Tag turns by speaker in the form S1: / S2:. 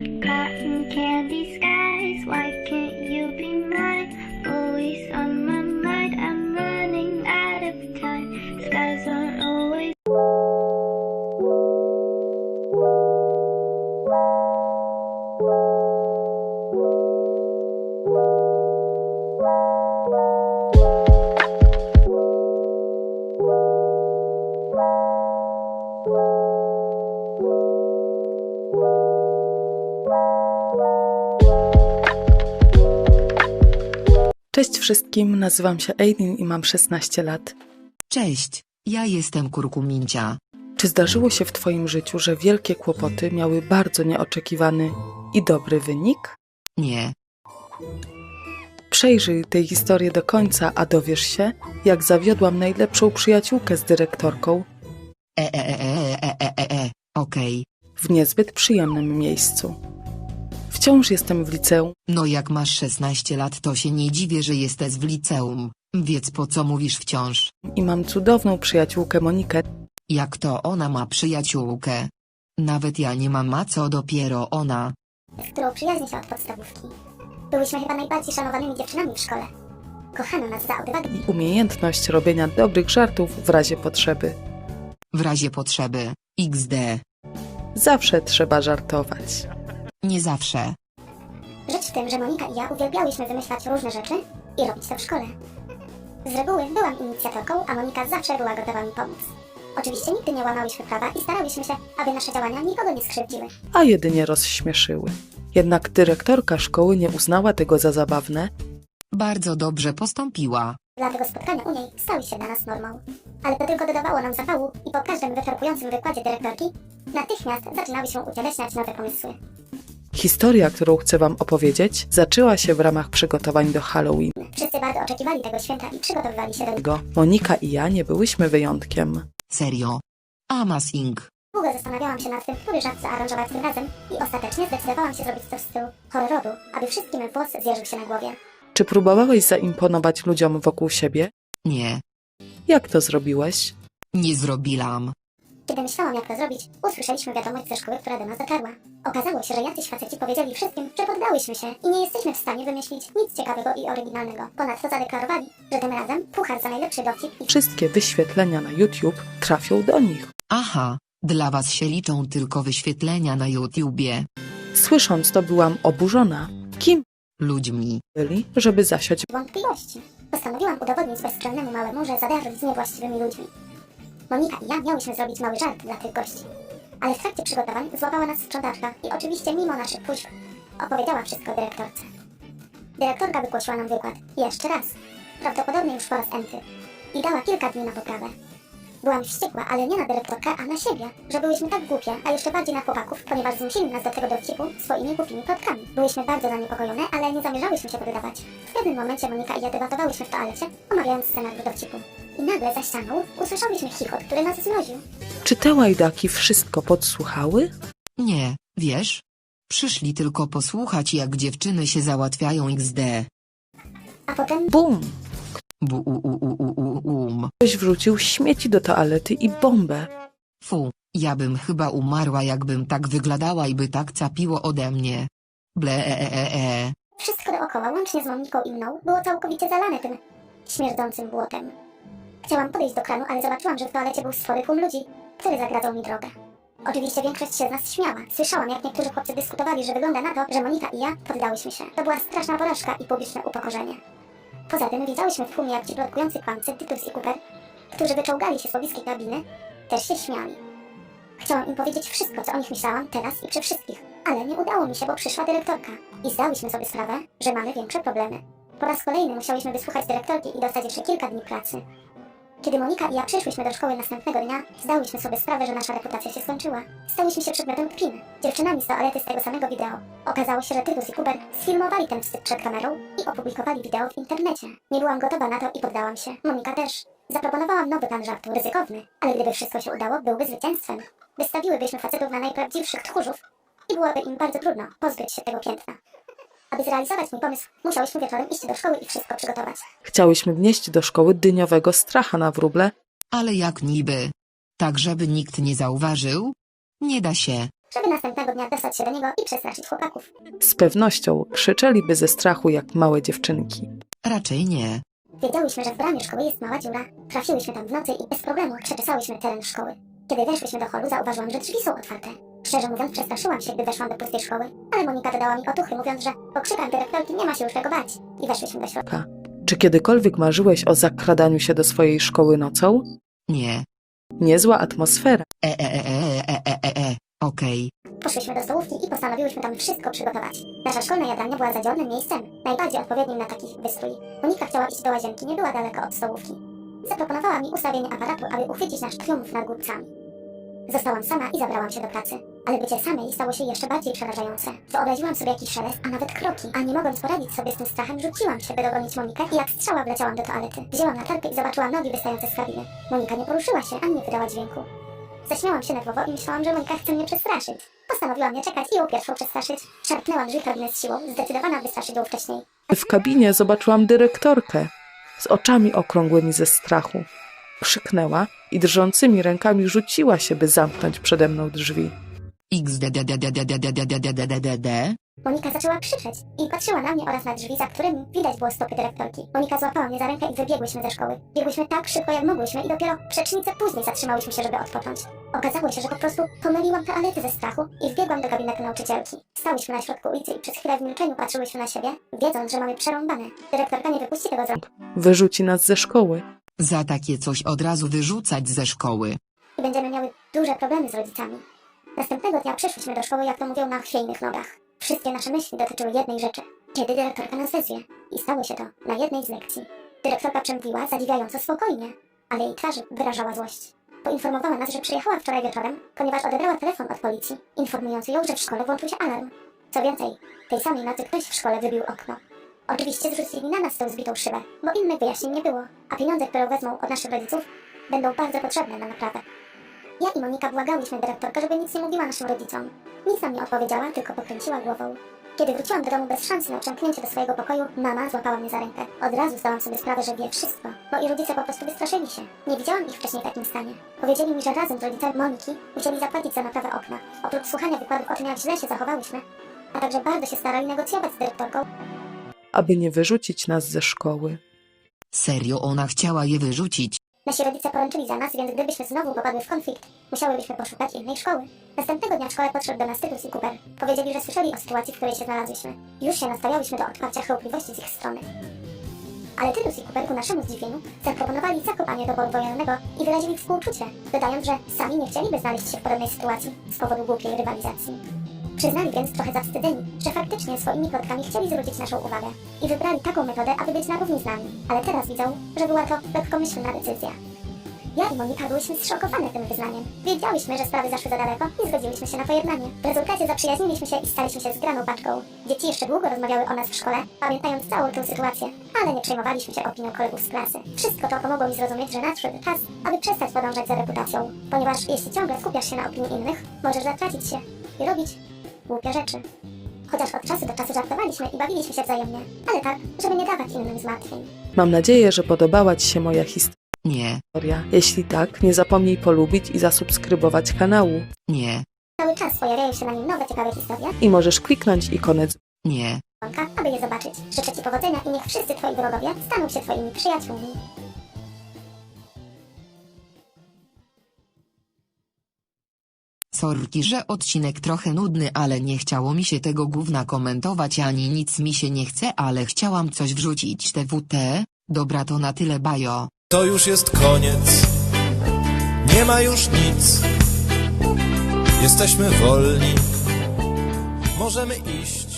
S1: Cotton candy skies, why can't you be mine? Always on my mind, I'm running out of time. Skies aren't always.
S2: Cześć wszystkim, nazywam się Aidin i mam 16 lat.
S3: Cześć, ja jestem Kurkumincia.
S2: Czy zdarzyło się w Twoim życiu, że wielkie kłopoty miały bardzo nieoczekiwany i dobry wynik?
S3: Nie,
S2: Przejrzyj tę historię do końca, a dowiesz się, jak zawiodłam najlepszą przyjaciółkę z dyrektorką
S3: okej.
S2: w niezbyt przyjemnym miejscu. Wciąż jestem w liceum
S3: No jak masz 16 lat, to się nie dziwię, że jesteś w liceum. Więc po co mówisz wciąż?
S2: i mam cudowną przyjaciółkę Monikę.
S3: Jak to ona ma przyjaciółkę? Nawet ja nie mam, a co dopiero ona.
S4: z którą przyjaźnię się od podstawówki. Byłyśmy chyba najbardziej szanowanymi dziewczynami w szkole. Kochano nas za odwagę
S2: I umiejętność robienia dobrych żartów w razie potrzeby.
S3: W razie potrzeby. XD.
S2: Zawsze trzeba żartować.
S3: Nie zawsze.
S4: Rzecz w tym, że Monika i ja uwielbiałyśmy wymyślać różne rzeczy i robić to w szkole. Z reguły byłam inicjatorką, a Monika zawsze była gotowa mi pomóc. Oczywiście nigdy nie łamałyśmy prawa i starałyśmy się, aby nasze działania nikogo nie skrzywdziły.
S2: A jedynie rozśmieszyły. Jednak dyrektorka szkoły nie uznała tego za zabawne
S3: Bardzo dobrze postąpiła.
S4: Dlatego spotkania u niej stały się dla nas normą. Ale to tylko dodawało nam zapału i po każdym wyczerpującym wykładzie dyrektorki natychmiast zaczynały się ucieleśniać nowe pomysły.
S2: Historia, którą chcę Wam opowiedzieć, zaczęła się w ramach przygotowań do Halloween.
S4: Wszyscy bardzo oczekiwali tego święta i przygotowywali się do niego.
S2: Monika i ja nie byłyśmy wyjątkiem.
S3: Serio. Amazing.
S4: Długo zastanawiałam się nad tym, który żart zaaranżować tym razem i ostatecznie zdecydowałam się zrobić coś w stylu horroru, aby wszystkim włos zjeżył się na głowie.
S2: Czy próbowałeś zaimponować ludziom wokół siebie?
S3: Nie.
S2: Jak to zrobiłeś?
S3: Nie zrobiłam.
S4: Kiedy myślałam, jak to zrobić, usłyszeliśmy wiadomość ze szkoły, która do nas dotarła. Okazało się, że jacyś faceci powiedzieli wszystkim, że poddałyśmy się i nie jesteśmy w stanie wymyślić nic ciekawego i oryginalnego. Ponadto zadeklarowali, że tym razem puchar za najlepszy dowcip i
S2: Wszystkie wyświetlenia na YouTube trafią do nich.
S3: Aha, dla was się liczą tylko wyświetlenia na YouTubie.
S2: Słysząc to, byłam oburzona. Kim
S3: Ludźmi.
S2: byli, żeby zasiać
S4: wątpliwości. Postanowiłam udowodnić bezstronnemu małemu, że zadarzyć z niewłaściwymi ludźmi. Monika i ja miałyśmy zrobić mały żart dla tych gości. Ale w trakcie przygotowań złapała nas sprzątaczka i oczywiście mimo naszych próśb opowiedziała wszystko dyrektorce. Dyrektorka wygłosiła nam wykład jeszcze raz, prawdopodobnie już po raz enty, i dała kilka dni na poprawę. Byłam wściekła, ale nie na dyrektorkę, a na siebie, że byłyśmy tak głupie, a jeszcze bardziej na chłopaków, ponieważ zmusili nas do tego dowcipu swoimi głupimi plotkami. Byłyśmy bardzo zaniepokojone, ale nie zamierzałyśmy się poddawać. W pewnym momencie Monika i ja debatowałyśmy w toalecie, omawiając scenariusz dowcipu. I nagle za ścianą usłyszałyśmy chichot, który nas zmroził.
S2: Czy te łajdaki wszystko podsłuchały?
S3: Nie, wiesz? Przyszli tylko posłuchać, jak dziewczyny się załatwiają XD.
S4: A potem
S2: Bum!
S3: Bum.
S2: Ktoś wrzucił śmieci do toalety i bombę.
S3: Fu, ja bym chyba umarła, jakbym tak wyglądała i by tak capiło ode mnie.
S4: wszystko dookoła, łącznie z Moniką i mną, było całkowicie zalane tym śmierdzącym błotem. Chciałam podejść do kranu, ale zobaczyłam, że w toalecie był spory tłum ludzi, który zagradzał mi drogę. Oczywiście większość się z nas śmiała. Słyszałam, jak niektórzy chłopcy dyskutowali, że wygląda na to, że Monika i ja poddałyśmy się. To była straszna porażka i publiczne upokorzenie. Poza tym widziałyśmy w tłumie, jak ci plotkujący kłamcy Titus i Cooper, którzy wyczołgali się z pobliskiej kabiny, też się śmiali. Chciałam im powiedzieć wszystko, co o nich myślałam, teraz i przy wszystkich. Ale nie udało mi się, bo przyszła dyrektorka. I zdałyśmy sobie sprawę, że mamy większe problemy. Po raz kolejny musiałyśmy wysłuchać dyrektorki i dostać jeszcze kilka dni pracy. Kiedy Monika i ja przyszłyśmy do szkoły następnego dnia, zdałyśmy sobie sprawę, że nasza reputacja się skończyła. Stałyśmy się przedmiotem kpin. Dziewczynami z toalety z tego samego wideo. Okazało się, że Tytus i Cooper sfilmowali ten wstyd przed kamerą i opublikowali wideo w internecie. Nie byłam gotowa na to i poddałam się. Monika też. Zaproponowałam nowy plan żartu, ryzykowny, ale gdyby wszystko się udało, byłby zwycięstwem. Wystawiłybyśmy facetów na najprawdziwszych tchórzów i byłoby im bardzo trudno pozbyć się tego piętna. Aby zrealizować mój pomysł, musiałyśmy wieczorem iść do szkoły i wszystko przygotować.
S2: Chciałyśmy wnieść do szkoły dyniowego stracha na wróble,
S3: Ale jak niby? Tak, żeby nikt nie zauważył? Nie da się.
S4: żeby następnego dnia dostać się do niego i przestraszyć chłopaków.
S2: Z pewnością krzyczeliby ze strachu jak małe dziewczynki.
S3: Raczej nie.
S4: Wiedziałyśmy, że w bramie szkoły jest mała dziura. Trafiłyśmy tam w nocy i bez problemu przeczesałyśmy teren szkoły. Kiedy weszłyśmy do holu, zauważyłam, że drzwi są otwarte. Szczerze mówiąc, przestraszyłam się, gdy weszłam do pustej szkoły, ale Monika dodała mi otuchy, mówiąc, że po krzykach dyrektorki nie ma się już czego bać. I weszłyśmy do środka.
S2: Czy kiedykolwiek marzyłeś o zakradaniu się do swojej szkoły nocą?
S3: Nie.
S2: Niezła atmosfera.
S3: Okej.
S4: Poszłyśmy do stołówki i postanowiłyśmy tam wszystko przygotować. Nasza szkolna jadalnia była zadziornym miejscem, najbardziej odpowiednim na taki wystrój. Monika chciała iść do łazienki, nie była daleko od stołówki. Zaproponowała mi ustawienie aparatu, aby uchwycić nasz triumf nad głupcami. Zostałam sama i zabrałam się do pracy. Ale bycie samej stało się jeszcze bardziej przerażające. Wyobraziłam sobie jakiś szelest, a nawet kroki, a nie mogąc poradzić sobie z tym strachem, rzuciłam się, by dogonić Monikę i jak strzała wleciałam do toalety. Wzięłam latarkę i zobaczyłam nogi wystające z kabiny. Monika nie poruszyła się, ani nie wydała dźwięku. Zaśmiałam się nerwowo i myślałam, że Monika chce mnie przestraszyć. Postanowiłam nie czekać i ją pierwszą przestraszyć. Szarpnęłam drzwi kabiny z siłą, zdecydowana wystraszyć ją wcześniej.
S2: W kabinie zobaczyłam dyrektorkę z oczami okrągłymi ze strachu. Krzyknęła i drżącymi rękami rzuciła się, by zamknąć przede mną drzwi.
S3: XDDDDDDDDDD.
S4: Monika zaczęła krzyczeć i patrzyła na mnie oraz na drzwi, za którymi widać było stopy dyrektorki. Monika złapała mnie za rękę i wybiegłyśmy ze szkoły. Biegłyśmy tak szybko, jak mogłyśmy i dopiero przecznicę później zatrzymałyśmy się, żeby odpocząć. Okazało się, że po prostu pomyliłam toalety ze strachu i wbiegłam do gabinetu nauczycielki. Stałyśmy na środku ulicy i przez chwilę w milczeniu patrzyłyśmy na siebie, wiedząc, że mamy przerąbane. Dyrektorka nie wypuści tego z rąk
S2: Wyrzuci nas ze szkoły.
S3: Za takie coś od razu wyrzucać ze szkoły.
S4: i będziemy miały duże problemy z rodzicami. Następnego dnia przyszłyśmy do szkoły, jak to mówią, na chwiejnych nogach. Wszystkie nasze myśli dotyczyły jednej rzeczy. Kiedy dyrektorka nas wezwie? I stało się to na jednej z lekcji. Dyrektorka przemówiła zadziwiająco spokojnie, ale jej twarz wyrażała złość. Poinformowała nas, że przyjechała wczoraj wieczorem, ponieważ odebrała telefon od policji, informując ją, że w szkole włączył się alarm. Co więcej, tej samej nocy ktoś w szkole wybił okno. Oczywiście zrzucili na nas tą zbitą szybę, bo innych wyjaśnień nie było, a pieniądze, które wezmą od naszych rodziców, będą bardzo potrzebne na naprawę. Ja i Monika błagałyśmy dyrektorkę, żeby nic nie mówiła naszym rodzicom. Nic nam nie odpowiedziała, tylko pokręciła głową. Kiedy wróciłam do domu bez szansy na przemknięcie do swojego pokoju, mama złapała mnie za rękę. Od razu zdałam sobie sprawę, że wie wszystko, bo i rodzice po prostu wystraszyli się. Nie widziałam ich wcześniej w takim stanie. Powiedzieli mi, że razem z rodzicami Moniki musieli zapłacić za naprawę okna. Oprócz słuchania wykładów o tym, jak źle się zachowałyśmy, a także bardzo się starali negocjować z dyrektorką,
S2: Aby nie wyrzucić nas ze szkoły.
S3: Serio ona chciała je wyrzucić?
S4: nasi rodzice poręczyli za nas, więc gdybyśmy znowu popadły w konflikt, musiałybyśmy poszukać innej szkoły. Następnego dnia w szkole podszedł do nas Tytus i Cooper. Powiedzieli, że słyszeli o sytuacji, w której się znalazłyśmy. Już się nastawiałyśmy do odparcia chełpliwości z ich strony. Ale Tytus i Cooper ku naszemu zdziwieniu zaproponowali zakopanie doboru wojennego i wyrazili współczucie, dodając, że sami nie chcieliby znaleźć się w podobnej sytuacji z powodu głupiej rywalizacji. Przyznali więc trochę zawstydzeni, że faktycznie swoimi plotkami chcieli zwrócić naszą uwagę i wybrali taką metodę, aby być na równi z nami, ale teraz widzą, że była to lekkomyślna decyzja. Ja i Monika byłyśmy zszokowane tym wyznaniem. Wiedziałyśmy, że sprawy zaszły za daleko i zgodziłyśmy się na pojednanie. W rezultacie zaprzyjaźniliśmy się i staliśmy się zgraną paczką. Dzieci jeszcze długo rozmawiały o nas w szkole, pamiętając całą tę sytuację, ale nie przejmowaliśmy się opinią kolegów z klasy. Wszystko to pomogło mi zrozumieć, że nadszedł czas, aby przestać podążać za reputacją, ponieważ jeśli ciągle skupiasz się na opinii innych, możesz zatracić się i robić głupie rzeczy. Chociaż od czasu do czasu żartowaliśmy i bawiliśmy się wzajemnie, ale tak, żeby nie dawać innym zmartwień.
S2: Mam nadzieję, że podobała Ci się moja
S3: Nie,
S2: historia. Jeśli tak, nie zapomnij polubić i zasubskrybować kanału.
S3: nie,
S4: Cały czas pojawiają się na nim nowe ciekawe historie,
S2: I możesz kliknąć ikonę
S3: nie.
S4: aby je zobaczyć. Życzę Ci powodzenia i niech wszyscy Twoi wrogowie staną się Twoimi przyjaciółmi.
S3: Sorki, że odcinek trochę nudny, ale nie chciało mi się tego gówna komentować ani nic mi się nie chce, ale chciałam coś wrzucić TWT. Dobra, to na tyle, bajo.
S5: To już jest koniec, nie ma już nic. Jesteśmy wolni, możemy iść.